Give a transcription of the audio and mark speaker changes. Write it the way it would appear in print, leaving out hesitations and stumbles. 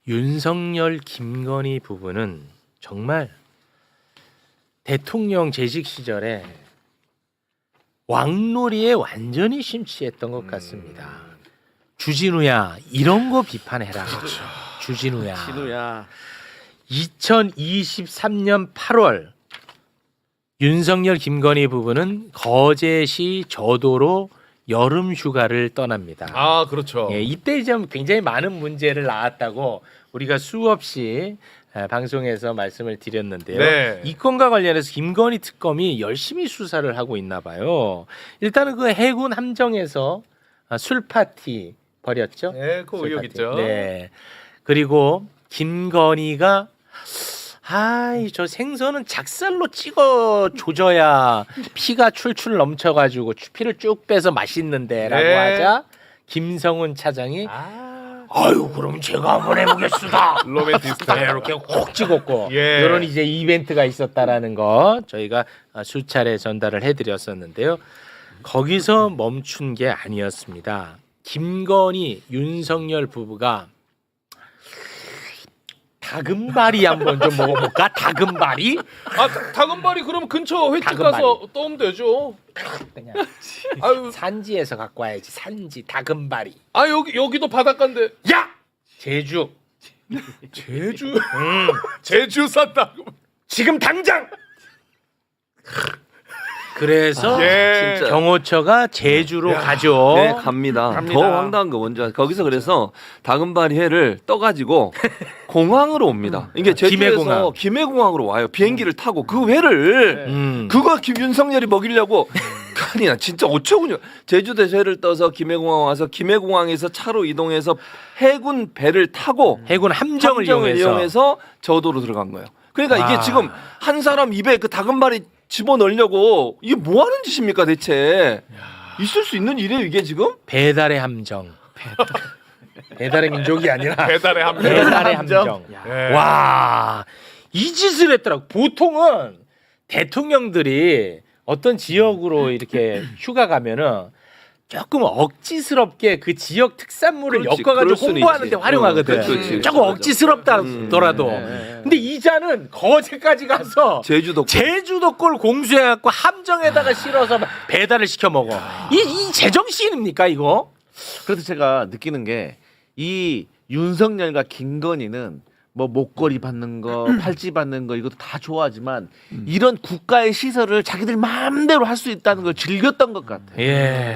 Speaker 1: 윤석열, 김건희 부부는 정말 대통령 재직 시절에 왕놀이에 완전히 심취했던 것 같습니다. 주진우야 이런 거 비판해라. 주진우야.
Speaker 2: 진우야.
Speaker 1: 2023년 8월 윤석열, 김건희 부부는 거제시 저도로 여름 휴가를 떠납니다.
Speaker 2: 아 그렇죠.
Speaker 1: 예, 이때 좀 굉장히 많은 문제를 낳았다고 우리가 수없이 방송에서 말씀을 드렸는데요.
Speaker 2: 네.
Speaker 1: 이 건과 관련해서 김건희 특검이 열심히 수사를 하고 있나 봐요. 일단은 그 해군 함정에서 술 파티 벌였죠.
Speaker 2: 네, 그
Speaker 1: 술
Speaker 2: 의혹
Speaker 1: 파티.
Speaker 2: 있죠.
Speaker 1: 네. 그리고 김건희가 저 생선은 작살로 찍어 조져야 피가 출출 넘쳐가지고 피를 쭉 빼서 맛있는데라고
Speaker 2: 네.
Speaker 1: 하자 김성훈 차장이 아유 그럼 제가 한번 해보겠습니다.
Speaker 2: 로맨티스트.
Speaker 1: 네, 이렇게 콕 찍었고
Speaker 2: 예.
Speaker 1: 이런 이제 이벤트가 있었다라는 거 저희가 수차례 전달을 해드렸었는데요. 거기서 멈춘 게 아니었습니다. 김건희, 윤석열 부부가 다금바리 한번 좀 먹어볼까? 다금바리?
Speaker 2: 아 다금바리 그럼 근처 횟집
Speaker 1: 다금바리.
Speaker 2: 가서 떠오면 되죠.
Speaker 1: 그냥
Speaker 2: 아유,
Speaker 1: 산지에서 갖고 와야지. 산지 다금바리.
Speaker 2: 아 여기도 바닷가인데.
Speaker 1: 야! 제주.
Speaker 2: 제주. 제주 산다고.
Speaker 1: 지금 당장. 그래서
Speaker 2: 예.
Speaker 3: 진짜.
Speaker 1: 경호처가 제주로 가죠.
Speaker 3: 네, 갑니다. 더 황당한 거 뭔지 아세요? 거기서 그래서 다금바리 회를 떠가지고 공항으로 옵니다. 이게 제주에서 김해공항으로 와요. 비행기를 타고 그 회를 그거 윤석열이 먹이려고 아니 나 진짜 어처구니 제주도에서 회를 떠서 김해공항 와서 김해공항에서 차로 이동해서 해군 배를 타고
Speaker 1: 해군 함정을 이용해서
Speaker 3: 저도로 들어간 거예요. 그러니까 이게 지금 한 사람 입에 그 다금바리 집어넣으려고 이게 뭐 하는 짓입니까 대체? 있을 수 있는 일이에요 이게 지금?
Speaker 1: 배달의 함정. 배달의 민족이 아니라
Speaker 2: 배달의 함정.
Speaker 1: 배달의 함정.
Speaker 2: 예.
Speaker 1: 와, 이 짓을 했더라고. 보통은 대통령들이 어떤 지역으로 이렇게 휴가 가면은 조금 억지스럽게 그 지역 특산물을
Speaker 3: 그렇지,
Speaker 1: 엮어가지고
Speaker 3: 그럴 수는
Speaker 1: 홍보하는데
Speaker 3: 있지.
Speaker 1: 활용하거든.
Speaker 3: 그렇지.
Speaker 1: 조금 억지스럽다더라도. 근데 이자는 거제까지 가서 제주도 꼴 공수해갖고 함정에다가 실어서 배달을 시켜 먹어. 이 제정신입니까 이거?
Speaker 4: 그래서 제가 느끼는 게 이 윤석열과 김건희는 뭐 목걸이 받는 거, 팔찌 받는 거 이것도 다 좋아하지만 이런 국가의 시설을 자기들 마음대로 할 수 있다는 걸 즐겼던 것 같아요.
Speaker 1: 예.